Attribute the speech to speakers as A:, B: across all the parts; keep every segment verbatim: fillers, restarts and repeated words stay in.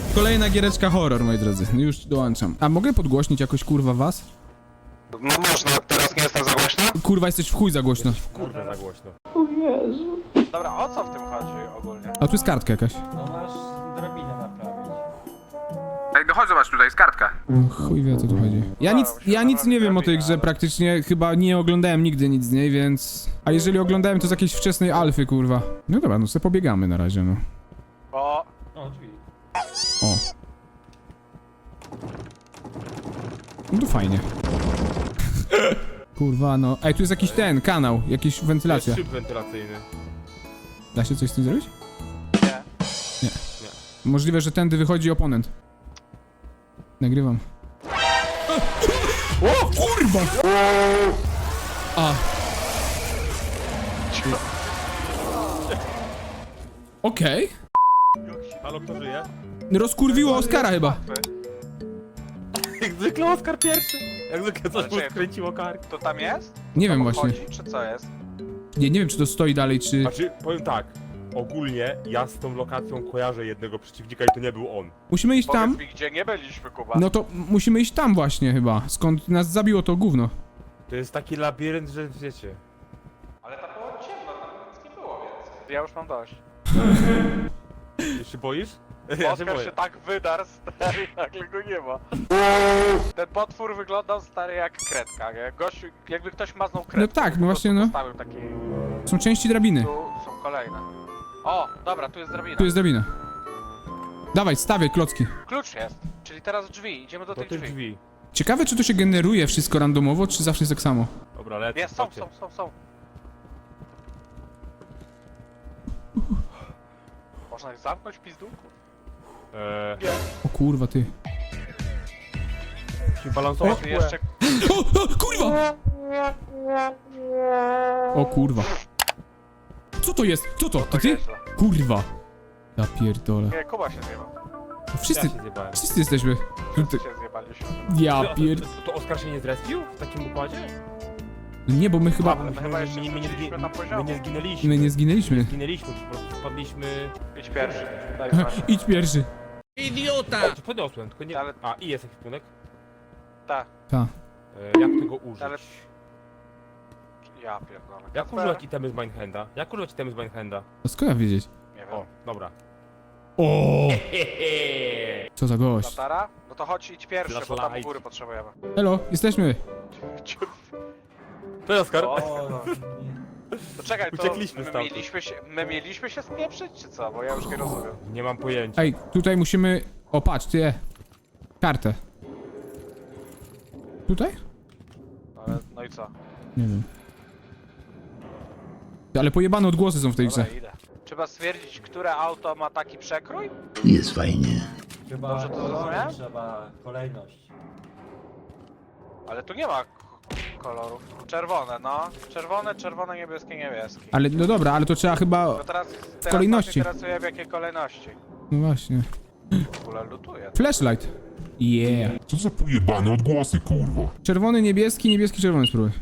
A: Kolejna giereczka horror, moi drodzy. No już dołączam. A mogę podgłośnić jakoś, kurwa, was?
B: No można, teraz nie jestem za głośno?
A: Kurwa, jesteś w chuj za głośno.
C: Kurde, za głośno.
B: Dobra, o co w tym chodzi ogólnie?
A: A tu jest kartka jakaś.
D: No masz drabinę naprawić.
A: Ej, no chodź zobacz, tutaj jest kartka. Chuj wie, o co tu chodzi. Ja nic, ja nic nie wiem o tej grze, praktycznie chyba nie oglądałem nigdy nic z niej, więc... A jeżeli oglądałem, to z jakiejś wczesnej alfy, kurwa. No dobra, no sobie pobiegamy na razie, no.
B: Bo...
D: O, drzwi.
A: O. No to fajnie. Kurwa, no. Ej, tu jest jakiś ten, kanał, jakiś wentylacja.
C: Jest szyb wentylacyjny.
A: Da się coś z tym zrobić?
B: Nie.
A: Nie. Możliwe, że tędy wychodzi oponent. Nagrywam. O, kurwa! A. Okej.
C: Halo, kto żyje?
A: Rozkurwiło Oskara chyba.
C: Jak zwykle Oskar pierwszy. Jak zwykle coś mu
B: Ale czy-
C: skręciło kark.
B: To tam jest?
A: Nie
B: To
A: wiem
B: mu
A: właśnie.
B: chodzi, czy co jest?
A: Nie, nie wiem, czy to stoi dalej, czy...
C: Znaczy, powiem tak. Ogólnie ja z tą lokacją kojarzę jednego przeciwnika i to nie był on.
A: Musimy iść
B: Powiedz
A: tam.
B: mi, gdzie nie byliśmy, Kuba.
A: No to musimy iść tam właśnie chyba. Skąd nas zabiło to gówno.
C: To jest taki labirynt, że wiecie.
B: Ale tam było ciemno, tam nic nie było więcej. Ja już mam dość.
C: Ty się boisz? Ja się
B: Oskar
C: boję.
B: się tak wydarł, stary, nagle go nie ma. Ten potwór wyglądał, stary, jak kredka, nie? Gościu, jakby ktoś maznął kredkę.
A: No tak, no
B: po
A: właśnie,
B: prostu
A: no.
B: Postawił taki...
A: Są części drabiny.
B: Tu są kolejne. O, dobra, tu jest drabina.
A: Tu jest drabina. Dawaj, stawiaj klocki.
B: Klucz jest, czyli teraz drzwi, idziemy do
C: Do
B: tych
C: tych
B: drzwi.
C: drzwi.
A: Ciekawe, czy to się generuje wszystko randomowo, czy zawsze jest tak samo.
C: Dobra, lecę.
B: Nie, są,
C: chodźcie.
B: są, są, są. Można ich zamknąć, pizdu?
C: Eee,
A: O kurwa, ty.
C: musimy balansować.
B: Tu jeszcze...
A: O, o, kurwa! O kurwa. Co to jest? Co to? To ty?
B: nieźle.
A: Kurwa. Ja pierdolę.
B: Nie, Kuba się zjebał.
A: To wszyscy,
C: Ja się zjebałem.
A: wszyscy jesteśmy.
B: Wszyscy się zjebaliśmy.
A: Ja
C: To,
A: pierd...
C: to, to Oskar się nie zrespił w takim układzie?
A: Nie, bo my chyba...
C: bo
B: my chyba jeszcze
C: my, my, nie,
B: wróciliśmy
C: zgi-
B: na
C: my
B: poziomu.
C: nie zginęliśmy.
A: My nie zginęliśmy.
C: Zginęliśmy, po prostu spadliśmy...
B: Idź pierwszy. Daj znać.
A: Idź pierwszy.
C: O, czy podniosłem, tylko nie...
B: Ale-
C: A, i jest ekwipunek.
B: Tak,
A: Ta.
C: E, jak tego użyć?
B: Ale- ja pierdolę.
C: Jak
B: Kacper?
C: używać itemy z Mindhanda? Jak używać itemy z Mindhanda?
A: A skąd ja wiedzieć?
B: Nie wiem.
C: O, dobra.
A: O! Co za gość.
B: Latara? No to chodź, idź pierwszy, bo tam u
C: Flashlight.
B: góry potrzebujemy.
A: Elo, jesteśmy.
C: To jest Oskar.
B: O,
D: O,
B: to czekaj, to
C: Uciekliśmy
B: my
C: stamtąd.
B: mieliśmy się, my mieliśmy się spieprzyć, czy co? Bo ja już nie rozumiem.
C: Nie mam pojęcia.
A: Ej, tutaj musimy... O, patrz, ty. Kartę. Tutaj?
B: Ale, no i co?
A: Nie wiem. Ale pojebane odgłosy są w tej grze.
B: Dobra, idę. Trzeba stwierdzić, które auto ma taki przekrój?
E: Jest fajnie.
D: chyba
B: Dobrze to
D: kolory
B: zrozumiałem?
D: trzeba, kolejność.
B: Ale tu nie ma k- kolorów. Czerwone, no. Czerwone, czerwone, niebieskie, niebieskie.
A: Ale, no dobra, ale to trzeba chyba...
B: No teraz, teraz
A: kolejności.
B: nas interesuje w jakiej kolejności.
A: No właśnie.
B: W ogóle lutuję.
A: Flashlight. Yeah.
F: Co za pojebane odgłosy, kurwa?
A: Czerwony, niebieski, niebieski, czerwony spróbuj.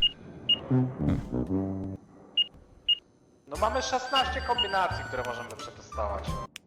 B: No mamy szesnaście kombinacji, które możemy przetestować.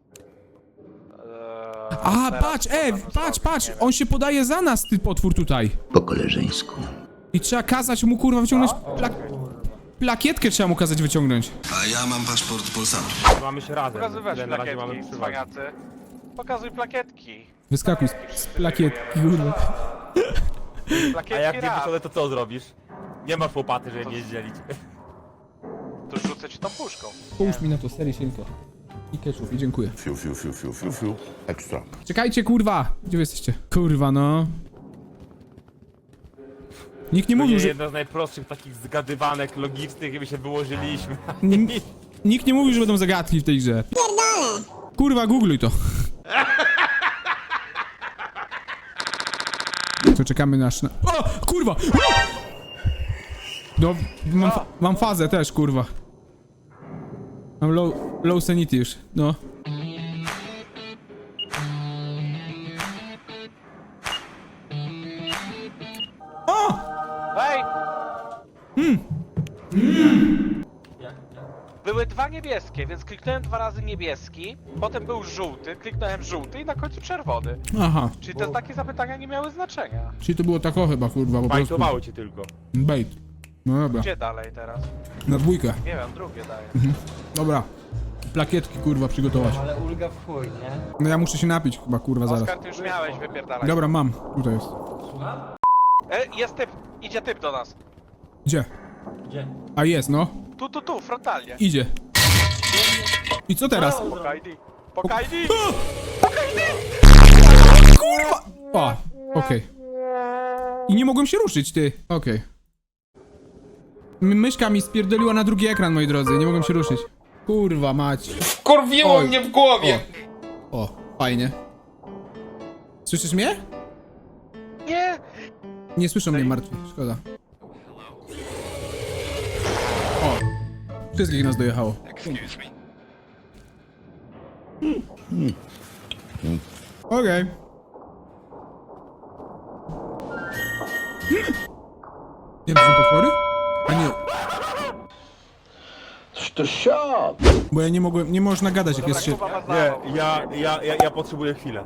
B: Eee,
A: A,
B: teraz
A: patrz,
B: co
A: Ew,
B: możemy
A: patrz,
B: zrobić,
A: patrz,
B: nie wiem.
A: on się podaje za nas, ty potwór tutaj.
E: Po koleżeńsku.
A: I trzeba kazać mu, kurwa, wyciągnąć... Pla
D: Kurwa.
A: plakietkę trzeba mu kazać wyciągnąć.
G: A ja mam paszport Polsatu.
C: Mamy się razem.
B: Pokazywać
C: Tyle na razie mamy
B: plakietki,
C: przewagę.
B: cwaniacy. Pokazuj plakietki.
A: Wyskakuj z, z plakietki, kurwa.
B: Plakietki
C: A jak nie
B: raz.
C: wyszedł, to co zrobisz? Nie masz łopaty, żeby mnie zdzielić.
B: To rzucę ci tą puszką.
A: Połóż mi na to sery sienko. I ketchup, i dziękuję.
F: Fiu, fiu, fiu, fiu, fiu, fiu. Ekstra.
A: Czekajcie, kurwa! Gdzie wy jesteście? Kurwa, no. Nikt nie
C: To
A: mówił,
C: jest
A: że...
C: jedna z najprostszych takich zgadywanek logicznych, jakby się wyłożyliśmy.
A: N- Nikt nie mówił, że będą zagadki w tej grze. Kurwa, googluj to. To czekamy na... szna- O! Kurwa! No, mam, fa mam fazę też, kurwa. Mam low, low sanity już, no. O!
B: Hej!
D: Jak, jak?
B: Były dwa niebieskie. niebieskie, więc kliknąłem dwa razy niebieski, potem był żółty, kliknąłem żółty i na końcu czerwony.
A: Aha,
B: Czyli te takie zapytania nie miały znaczenia.
A: czyli to było tak o chyba, kurwa, po prostu.
C: Bajtowały cię tylko.
A: Bait. No dobra,
B: Gdzie dalej teraz?
A: na dwójkę.
B: Nie wiem, drugie daję.
A: Dobra. Plakietki, kurwa, przygotować.
D: Ale ulga w chuj, nie?
A: No ja muszę się napić chyba, kurwa, zaraz.
B: Oskar, ty już miałeś, wypierdalać.
A: Dobra, mam. Tutaj jest.
D: Słucham?
B: E, jest typ, idzie typ do nas.
A: Gdzie?
D: Gdzie?
A: A jest, no.
B: Tu, tu, tu, frontalnie.
A: Idzie. I co teraz?
B: Pokaj Pokajdi!
A: Kurwa! O, okej. I nie mogłem się ruszyć, ty. Okej. M- Myszka mi spierdoliła na drugi ekran, moi drodzy. Nie mogłem się ruszyć. Kurwa mać.
H: Kurwiło
A: Oj.
H: mnie w głowie!
A: O, fajnie. Słyszysz mnie?
B: Nie!
A: Nie słyszą mnie martwi, szkoda. O, wszystkich nas dojechało. Okej. Nie, to są potwory? A nie,
E: To siad!
A: bo ja nie mogłem, nie można gadać jak jest się...
B: Kuba ma
C: Nie,
B: zawał.
C: ja, ja, ja, ja potrzebuję chwilę.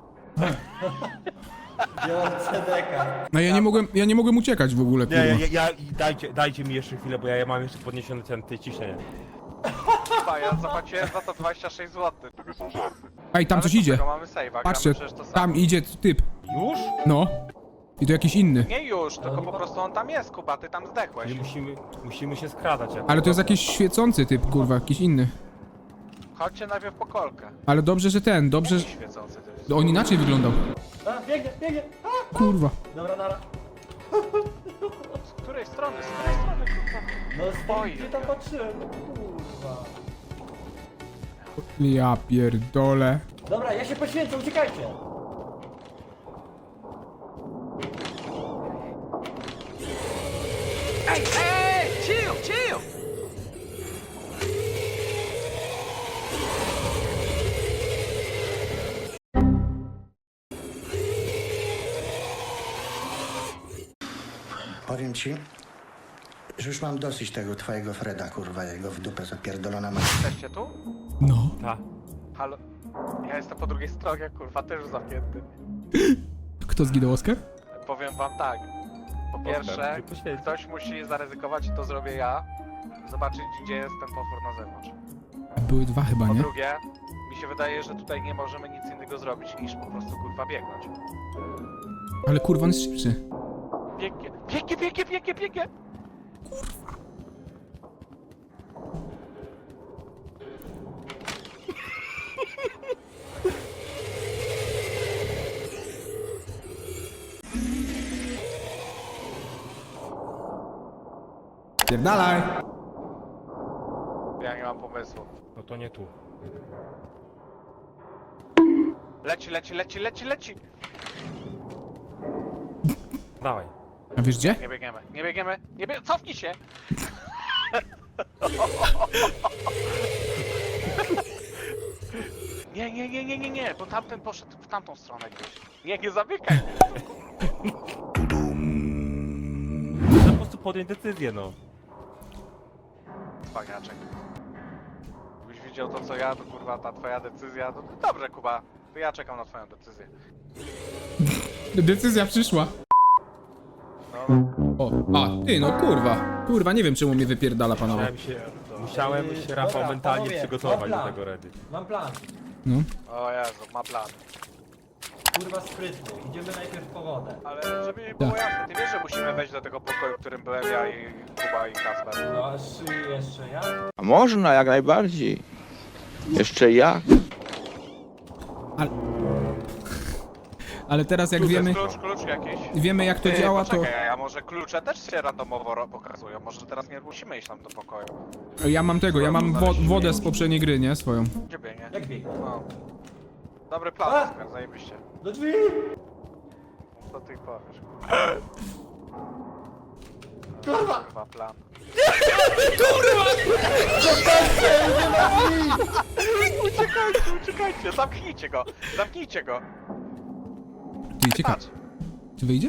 D: Biorę C D K.
A: No ja nie mogłem, ja nie mogłem uciekać w ogóle,
C: Nie, ja,
A: kurwa.
C: ja, ja dajcie, dajcie mi jeszcze chwilę, bo ja, ja mam jeszcze podniesione ten, te ciśnienie.
B: Kuba, ja zapłaciłem za to dwadzieścia sześć złotych.
A: Ej, tam
B: Ale
A: coś
B: co z
A: idzie.
B: tego, mamy save'a,
A: Patrzcie,
B: gramy przecież to samo.
A: tam idzie typ.
C: Już?
A: No. I to jakiś inny.
B: Nie już, tylko po prostu on tam jest, Kuba, ty tam zdechłeś.
C: Nie musimy, musimy się skradać. Jak
A: Ale to jest jakiś świecący typ, kurwa, jakiś inny.
B: Chodźcie najpierw po kolkę.
A: Ale dobrze, że ten, dobrze, że...
B: Świecący to jest.
A: On inaczej wyglądał.
D: A, biegnie, biegnie! A,
A: Kurwa.
D: dobra, nara.
B: Z której strony, z której strony, kurwa?
D: No
B: Oj.
D: stoi, gdzie tam patrzyłem? Kurwa.
A: Ja pierdolę.
D: Dobra, ja się poświęcę, uciekajcie!
B: Ej, ej, chill, chill!
I: Powiem ci, że już mam dosyć tego twojego Freda, kurwa, jego w dupę zapierdolona ma.
B: Jesteście tu?
A: No.
C: Ta.
B: Halo? Ja jestem po drugiej stronie, kurwa, też zamknięty.
A: Kto zginął, Oskar?
B: Powiem wam tak. Po pierwsze,
C: ty poświęć.
B: ktoś musi zaryzykować i to zrobię ja. Zobaczyć, gdzie jest ten potwór na zewnątrz.
A: Były dwa chyba,
B: Po
A: nie?
B: drugie, mi się wydaje, że tutaj nie możemy nic innego zrobić niż po prostu kurwa biegnąć.
A: Ale kurwa, on jest szybszy.
B: Biegnie, biegnie, biegnie, biegnie, biegnie!
A: Pierdalaj.
B: Ja nie mam pomysłu.
C: No to nie tu.
B: Leci, leci, leci, leci, leci!
C: Dawaj.
A: A wiesz gdzie?
B: Nie biegniemy, nie biegniemy, nie biegniemy, cofnij się! Nie, nie, nie, nie, nie, nie, bo tamten poszedł w tamtą stronę gdzieś. Nie, nie zamykaj!
C: Po prostu podjąć decyzję, no.
B: Cwaniaczek. Gdybyś widział to co ja, to kurwa ta twoja decyzja, to dobrze Kuba, to ja czekam na twoją decyzję.
A: Decyzja przyszła.
B: No,
A: O, a, ty, no kurwa. Kurwa, nie wiem czemu mnie wypierdala, panowie.
C: Musiałem się, musiałem się Rafał
D: Dobra,
C: mentalnie
D: panowie,
C: przygotować
D: mam
C: do
D: plan.
C: tego redy.
D: Mam plan.
A: No.
B: o Jezu, ma plan.
D: Kurwa sprytny. Idziemy najpierw po wodę.
B: Ale żeby mi było
A: Tak.
B: jasne, ty wiesz, że musimy wejść do tego pokoju, w którym byłem ja i Kuba i Kasper.
D: No aż jeszcze ja?
H: A można, jak najbardziej. Jeszcze jak?
A: Ale... Ale teraz jak
B: Klucz,
A: wiemy,
B: klucz, klucz jakiś.
A: wiemy jak to
B: Ty,
A: działa, to...
B: poczekaj, a może klucze też się randomowo ro- pokazują? Może teraz nie musimy iść tam do pokoju.
A: Ja mam tego, ja mam wo wodę z poprzedniej gry, nie? Swoją.
B: Gdzie biegnie?
D: Jak biegnie?
B: No. Dobry plan,
D: A!
B: Oskar, zajebiście.
D: Do drzwi!
B: Co ty powiesz?
D: Kurwa!
B: Kurwa plan. Uciekajcie, uciekajcie, zamknijcie go! Zamknijcie go!
A: Ty, ciekawe.
B: Patrz,
A: Czy wyjdzie?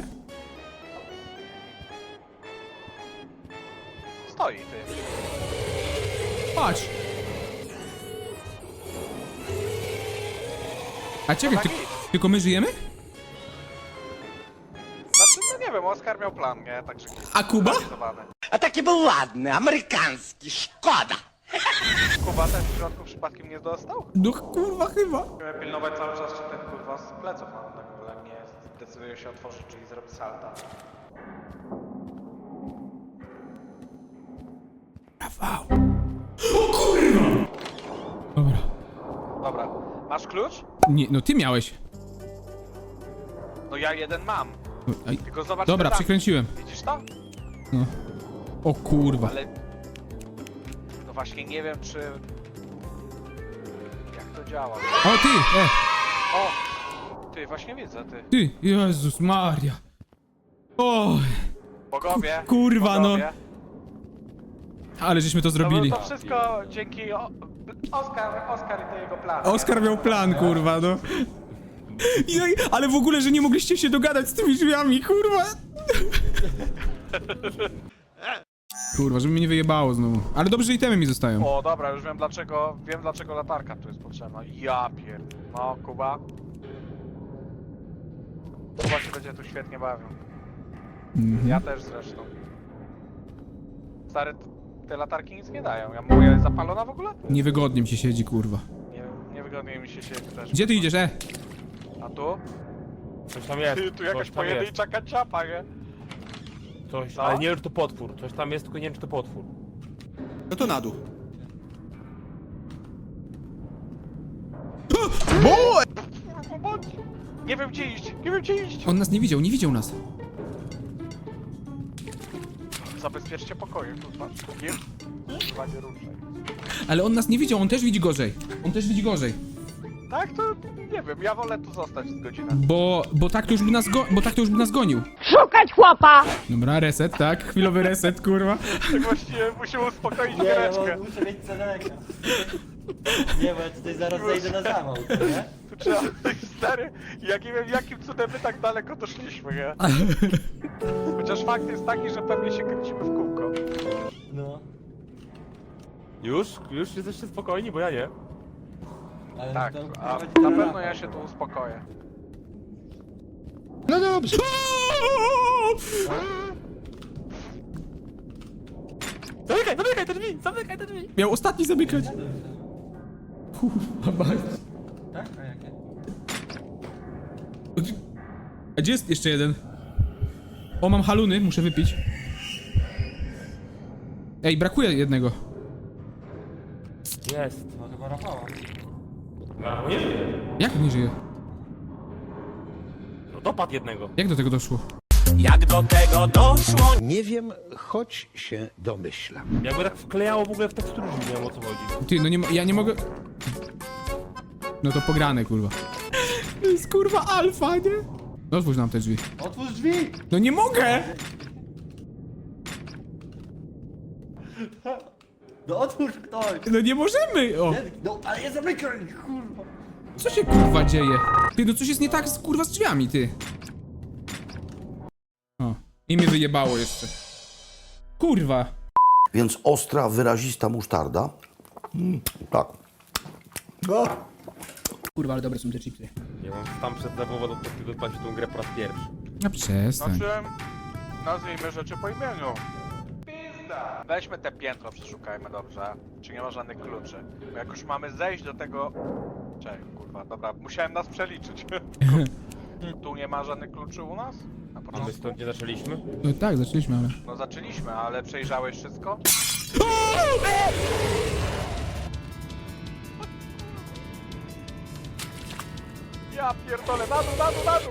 B: stoi ty.
A: Patrz! A czekaj, ty,
B: Tak.
A: tylko my żyjemy?
B: Znaczy, no nie wiem, Oskar miał plan, nie? Także...
A: A Kuba?
B: zrealizowany.
I: A taki był ładny, amerykański, szkoda.
B: Kuba też w środku przypadkiem nie dostał?
A: No kurwa chyba.
B: Musimy pilnować cały czas, czy ten kurwa z pleców mam, tak w ogóle nie decyduje się otworzyć, czyli zrobi salta.
A: Rafał. O kurwa! Dobra.
B: Dobra, masz klucz?
A: Nie, no ty miałeś.
B: No ja jeden mam,
A: No, aj.
B: tylko zobacz
A: Dobra,
B: tam.
A: przekręciłem.
B: Widzisz to?
A: No. O kurwa.
B: Ale... No właśnie nie wiem, czy... Jak to działa?
A: O ty! E,
B: O! Ty, właśnie widzę, ty.
A: ty! Jezus Maria. O,
B: Bogowie!
A: kurwa, no.
B: bogowie.
A: ale żeśmy to
B: To,
A: zrobili.
B: to wszystko dzięki o... Oskar, Oskar i to jego plan.
A: Oskar miał plan, kurwa, no. I, no i- ale w ogóle, że nie mogliście się dogadać z tymi drzwiami, kurwa. Kurwa, żeby mnie nie wyjebało znowu. Ale dobrze, że itemy mi zostają.
B: O, dobra, już wiem dlaczego, wiem dlaczego latarka tu jest potrzebna. Ja pier... No, Kuba. Kuba się będzie tu świetnie bawił.
A: Mhm.
B: Ja też zresztą. Stary, t- te latarki nic nie dają. Ja moja jest zapalona w ogóle?
A: Niewygodnie mi się siedzi, kurwa.
B: Nie, niewygodnie mi się siedzi też.
A: Gdzie ty idziesz, e?
B: A tu?
C: Coś tam jest,
B: Ty, tu jakaś
C: coś tam jest.
B: pojedyncza kanciapa, nie?
C: Coś,
B: Co?
C: ale nie wiem, czy to potwór. Coś tam jest, tylko nie wiem, czy to potwór.
H: No to na dół.
B: Pomocy! Nie wiem gdzie iść, nie wiem gdzie iść!
A: On nas nie widział, nie widział nas.
B: Zabezpieczcie pokoje, tu patrz. Nie, chyba nie ruszaj.
A: Ale on nas nie widział, on też widzi gorzej. On też widzi gorzej.
B: Tak, to nie wiem, ja wolę tu zostać z godzinę.
A: Bo, bo tak to już by nas go, bo tak to już by nas gonił.
J: Szukać chłopa!
A: Dobra, reset, tak? Chwilowy reset, kurwa.
B: Tak właściwie musimy uspokoić
D: Nie, ja
B: giereczkę.
D: mam- muszę mieć ceneka. Nie, bo ja tutaj zaraz zejdę na zawał, co nie?
B: Tu trzeba, stary, ja nie wiem jakim cudem my tak daleko doszliśmy, nie? Chociaż fakt jest taki, że pewnie się kręcimy w kółko.
D: No.
C: Już? Już jesteście spokojni, bo ja nie.
D: Ale
B: Tak,
D: to
B: a
D: prowadzi
B: na
D: do
B: pewno
D: Rafał.
B: ja się tu uspokoję.
H: No dobrze.
C: Zamykaj, zamykaj te drzwi! Zamykaj te drzwi!
A: Miał ostatni zamykać. Kurwa, mać.
D: Tak? A jakie?
A: A gdzie jest jeszcze jeden? O, mam haluny, muszę wypić. Ej, brakuje jednego.
C: Jest.
D: No chyba Rafała.
C: No, nie żyje.
A: Jak nie żyje?
C: No dopadł jednego.
A: Jak do tego doszło?
E: Nie wiem, choć się domyślam.
C: Jakby tak wklejało w ogóle w tekstury, nie wiem o co chodzi.
A: Ty, no nie mo- ja nie mogę... No to pograne, kurwa. To jest kurwa alfa, nie? No otwórz nam te drzwi.
D: Otwórz drzwi!
A: No nie mogę!
D: No otwórz ktoś!
A: No nie możemy! O,
D: No, ale ja zamykaj, kurwa!
A: co się kurwa dzieje? Ty, no coś jest nie tak z kurwa z drzwiami, ty. O, i mnie wyjebało jeszcze. Kurwa.
E: Więc ostra, wyrazista musztarda. Mm, tak. No.
A: Kurwa, ale dobre są te chipsy.
C: Nie wiem, tam przed zawodą do tego odpalić tą grę po raz pierwszy.
A: A przestań.
B: Znaczy, nazwijmy rzeczy po imieniu. Pizda! Weźmy te piętro, przeszukajmy dobrze. Czy nie ma żadnych kluczy. Bo jak już mamy zejść do tego... Czekaj, kurwa, dobra, musiałem nas przeliczyć. Tu nie ma żadnych kluczy u nas? Na
C: A my
B: początku?
C: stąd nie zaczęliśmy?
A: No tak, zaczęliśmy, ale...
B: No zaczęliśmy, ale przejrzałeś wszystko? Ja pierdolę, na dół, na dół, na dół!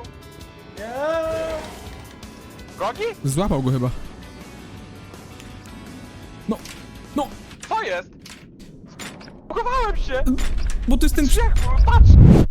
B: Gogi?
A: Złapał go chyba. No, no,
B: Co jest? Zbugowałem się!
A: bo to jest ten...
B: Grzech, patrz!